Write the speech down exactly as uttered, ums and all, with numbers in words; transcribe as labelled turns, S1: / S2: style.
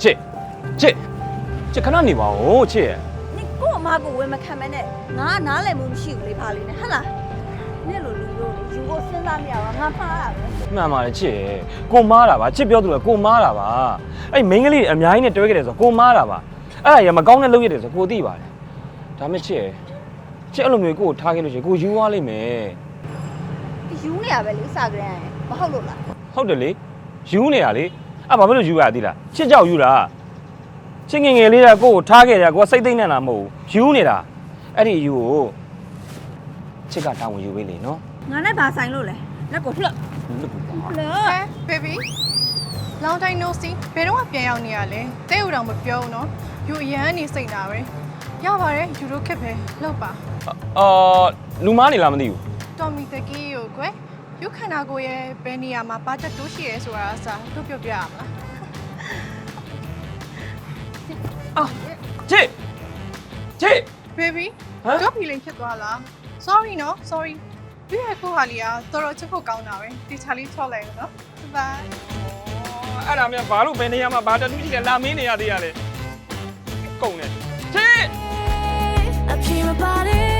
S1: ချစ်ချစ်ချစ်ခဏနေပါဦးချစ်ရဲ့
S2: 你过妈过为么看没呢？俺哪来没去里爬里呢？哈啦，你路路路的，如果身上没有，俺怕啊。
S1: မှန်ပါတယ်ချစ်ရဲ့ကိုမားတာပါချစ်ပြောသူကကိုမားတာပါအဲ့မိန်းကလေးအများကြီးနဲ့တွဲခဲ့တယ်ဆိုကိုမားတာပါအဲ့ဒါရမကောင်းတဲ့လုပ်ရတယ်ဆိုကိုသိပါတယ်ဒါမဲ့ချစ်ရဲ့ချစ်အဲ့လိုမျိုးကိုထားခဲ့လို့ရှိရင်ကိုယူသွားလိမ့်မယ်
S2: ယူနေရပဲလေစကြရင်မဟုတ်လို့လား
S1: ဟုတ်တယ်လေယူနေတာလေအဲ့ဘာဖြစ်လို့ယူရသေးလားချစ်ကြောက်ယူတာချစ်ငငယ်လေးကကိုကိုထားခဲ့တယ်ကိုကစိတ်သိမ့်နေတာမဟုတ်ဘူးယူနေတာအဲ့ဒီယူကိုချစ်ကတောင်းဝင်ယူပေးလေနော်
S2: ငါနဲ့ဘာဆိုင်လို့လဲလက်ကိုလှက်
S1: လို့ပါ
S2: လှက်
S3: ဟဲ baby long time no see ဘယ်တော့မှပြန်ရောက်နေရလဲတဲ့ဦးတော်မပြောဘူးနော်ယူအရန်နေစိတ်တာပဲရပါတယ်ယူတို့ခက်ပဲလောက်ပါ
S1: အော်လူမားနေလားမသိဘူး
S3: တော်မီတကီးကိုကွယ်ယူခန္ဓာကိုယ်ရဲ့ဘယ်နေရာမှာဘာချက်တိုးရှိရဲဆိုတာအစားတို့ပြောပြရမလား
S1: အာချစ်ချစ်
S3: baby
S1: ဟမ်
S3: တော့ဖီလင်းဖြစ်သွားလား sorry နော် sorry ဒီရဲ့ကိုဟာလီကတော်တော်ချစ်ဖို့ကောင်းတာပဲဒီချာလေးချော့လိုက်နော် bye
S1: အဲ့ဒါမြန်ဘာလို့ဘယ်နေရာမှာဘာတတူးရှိလဲလာမင်းနေရသေးရလဲကုန်တယ်ချစ်
S4: I feel my body